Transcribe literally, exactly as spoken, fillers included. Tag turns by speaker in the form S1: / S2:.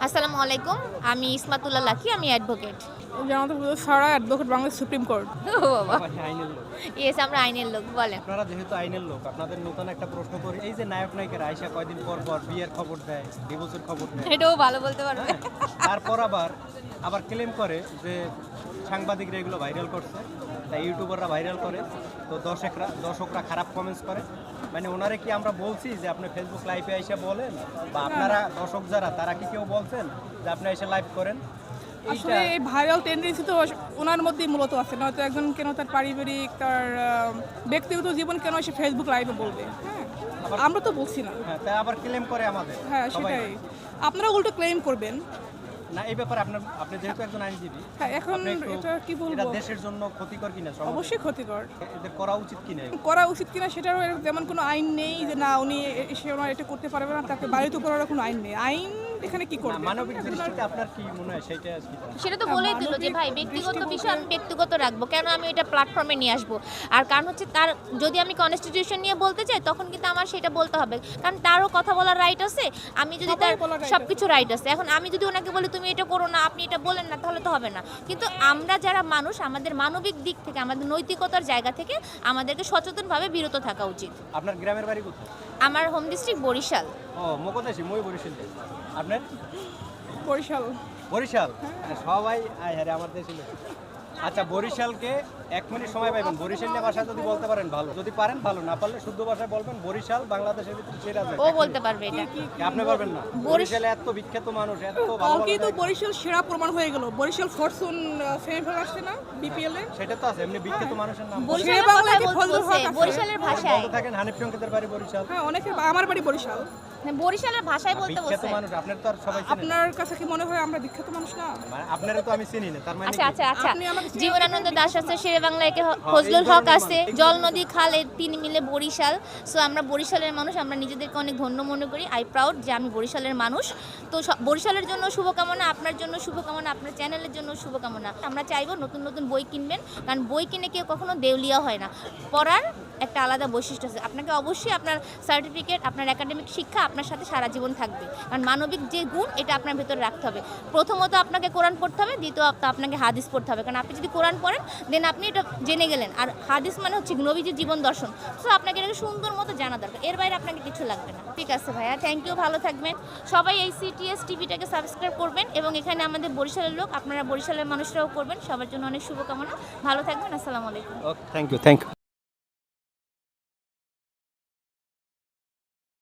S1: আসসালামু আলাইকুম, আমি ইসমাতুল্লাহ লাকি, আমি অ্যাডভোকেট।
S2: জানাতে সারা অ্যাডভোকেট বাংলাদেশ সুপ্রিম কোর্ট।
S1: ও বাবা,
S3: আপনি আইনের লোক।
S1: ইয়েস, আমরা আইনের লোক। বলেন।
S3: আপনারা যেহেতু আইনের লোক, আপনাদের নতুন একটা প্রশ্ন করি। এই যে নায়ক নায়িকারা আইসা কয়দিন পর পর বিয়ের খবর দেয়, ডিভোর্সের খবর দেয়,
S1: এটাও ভালো বলতে পারবে।
S3: হ্যাঁ, তারপর আবার আবার ক্লেম করে যে সাংবাদিকরা এগুলো ভাইরাল করছে, তাই ইউটিউবাররা ভাইরাল করে, তো দর্শকরা দর্শকরা খারাপ কমেন্টস করে। মানে ওনারে কি আমরা বলছি যে আপনি ফেসবুক লাইভে আইসা বলেন, বা আপনারা দর্শক যারা তারা কি কেউ বলছেন যে আপনি এসে লাইভ করেন?
S2: আসলে এই ভাইরাল টেন্ডেন্সি তো ওনার মধ্যেই মূলত আছে, নয়তো একজন কেন তার পারিবারিক তার আহ, ব্যক্তিগত জীবন কেন সে ফেসবুক লাইভে বলবে? হ্যাঁ, আমরা তো বলছি না।
S3: হ্যাঁ, তাই আবার ক্লেম করে আমাদের।
S2: হ্যাঁ,
S3: সবাই।
S2: সেটাই। আপনারা উল্টো ক্লেম করবেন
S3: না, এই ব্যাপারে আপনার আপনি যেহেতু একজন আইনজীবী,
S2: হ্যাঁ, এখন
S3: আপনি একটু-
S2: এটা কি বলবো?
S3: এটা দেশের জন্য ক্ষতিকর কিনা? সমাজের?
S2: অবশ্যই ক্ষতিকর।
S3: এদের করা উচিত কিনা?
S2: করা উচিত কিনা সেটারও এরকম তেমন কোনো আইন নেই যে না উনি এসে ওনার এটা করতে পারবে না, তাকে বাড়িতে করার কোনো আইন নেই। আইন এখানে কি
S3: না,
S2: করবে?
S3: মানবিক দৃষ্টিতে আপনার কি মনে হয় সেটা কি?
S1: সেটা তো বলেই দিল যে ভাই ব্যক্তিগত বিষয় আমি ব্যক্তিগত রাখবো, কেন আমি এটা প্ল্যাটফর্মে নিয়ে আসবো? আর কারণ হচ্ছে তার যদি আমি কনস্টিটিউশন নিয়ে বলতে চাই তখন কিন্তু আমার সেটা বলতে হবে, কারণ তারও কথা বলার রাইট আছে, আমি যদি তার
S2: সবারই বলার right
S1: সব কিছু রাইট আছে। এখন আমি যদি ওনাকে বলি তুমি এটা করো না, আপনি এটা বলেন না, তাহলে তো হবে না। কিন্তু আমরা যারা মানুষ, আমাদের মানবিক দিক থেকে, আমাদের নৈতিকতার জায়গা থেকে আমাদেরকে সচেতনভাবে বিরত থাকা উচিত।
S3: আপনার গ্রামের বাড়ি কোথায়?
S1: আমার হোম ডিস্ট্রিক্ট বরিশাল।
S3: ও, মকদেশি, মই বরিশাল। আপনার?
S2: বরিশাল।
S3: বরিশাল? সবাই আয় হারে আমার দেশি লোক। আচ্ছা, বরিশালকে এক মিনিট সময় পাইবেন, বরিশালের ভাষা যদি বলতে পারেন ভালো, যদি পারেন ভালো, না পারলে শুদ্ধ ভাষায় বলবেন বরিশাল বাংলাদেশের ভিতরে সেরা জায়গা।
S1: ও বলতে পারবে এটা।
S3: আপনি পারবেন না? বরিশালে এত বিখ্যাত মানুষ, এত ভালো ভালো
S2: কালকেই তো
S3: জায়গা।
S2: বরিশাল সেরা প্রমাণ হয়ে গেল। বরিশাল ফরচুন সেমিফাইনাল আসছে না বিপিএল এ?
S3: সেটা তো আছে, এমনি বিখ্যাত মানুষের নাম
S1: বরিশালের
S2: বাংলায়
S1: কথাই
S2: কি
S1: বলতে
S2: ফজলুল
S1: বলছে,
S2: হক আছে?
S1: বরিশালের ভাষায়।
S3: বলতে থাকেন। হানিফ সংকেতের বাড়ি বরিশাল।
S2: হ্যাঁ, অনেকে আমার বাড়ি বরিশাল।
S1: হ্যাঁ, বরিশালের ভাষায় বলতে
S3: বিখ্যাত
S1: বলছে।
S3: মানুষ, আপনার তো আর সবাই চেনেন।
S2: আপনার কাছে কি মনে হয় আমরা বিখ্যাত মানুষ না?
S3: মানে আপনারা তো আমি চিনি না, তার মানে
S1: আচ্ছা
S3: কি?
S1: আচ্ছা আচ্ছা
S2: আপনি আমাকে চিনেন
S1: জীবনানন্দ
S2: না?
S1: দাস আছে, শেরে বাংলা একে
S3: হ্যাঁ,
S1: ফজলুল
S3: এই
S1: হক
S3: ধরনের
S1: আছে,
S3: মানুষ।
S1: জল নদী খাল এই তিন মিলে বরিশাল। সো আমরা বরিশালের মানুষ, আমরা নিজেদেরকে অনেক ধন্য মনে করি। আই প্রাউড যে আমি বরিশালের মানুষ। তো সব- বরিশালের জন্য শুভকামনা, আপনার জন্য শুভকামনা, আপনার চ্যানেলের জন্য শুভকামনা। আমরা চাইবো নতুন নতুন বই কিনবেন, কারণ বই কিনে কেউ কখনো দেউলিয়া হয় না। পড়ার একটা আলাদা বৈশিষ্ট্য আছে। আপনাকে অবশ্যই আপনার সার্টিফিকেট, আপনার একাডেমিক শিক্ষা আপনার সাথে সারা জীবন থাকবে, কারণ মানবিক যে গুণ এটা আপনার ভেতরে রাখতে হবে। প্রথমত আপনাকে কোরআন পড়তে হবে, দ্বিতীয়ত আপনাকে হাদিস পড়তে হবে, কারণ আপনি যদি কোরআন পড়েন দেন আপনি এটা জেনে গেলেন। আর হাদিস মানে হচ্ছে নবীজির জীবন দর্শন। সো আপনাকে এটাকে সুন্দর মতো জানা দরকার, এর বাইরে আপনাকে কিছু লাগবে না। ঠিক আছে ভাইয়া, থ্যাংক ইউ, ভালো থাকবেন সবাই। এই সিটিএস টিভিটাকে সাবস্ক্রাইব করবেন, এবং এখানে আমাদের বরিশালের লোক, আপনারা বরিশালের মানুষরাও করবেন। সবার জন্য অনেক শুভকামনা, ভালো থাকবেন। আসসালামু আলাইকুম।
S3: Okay, thank you, thank you.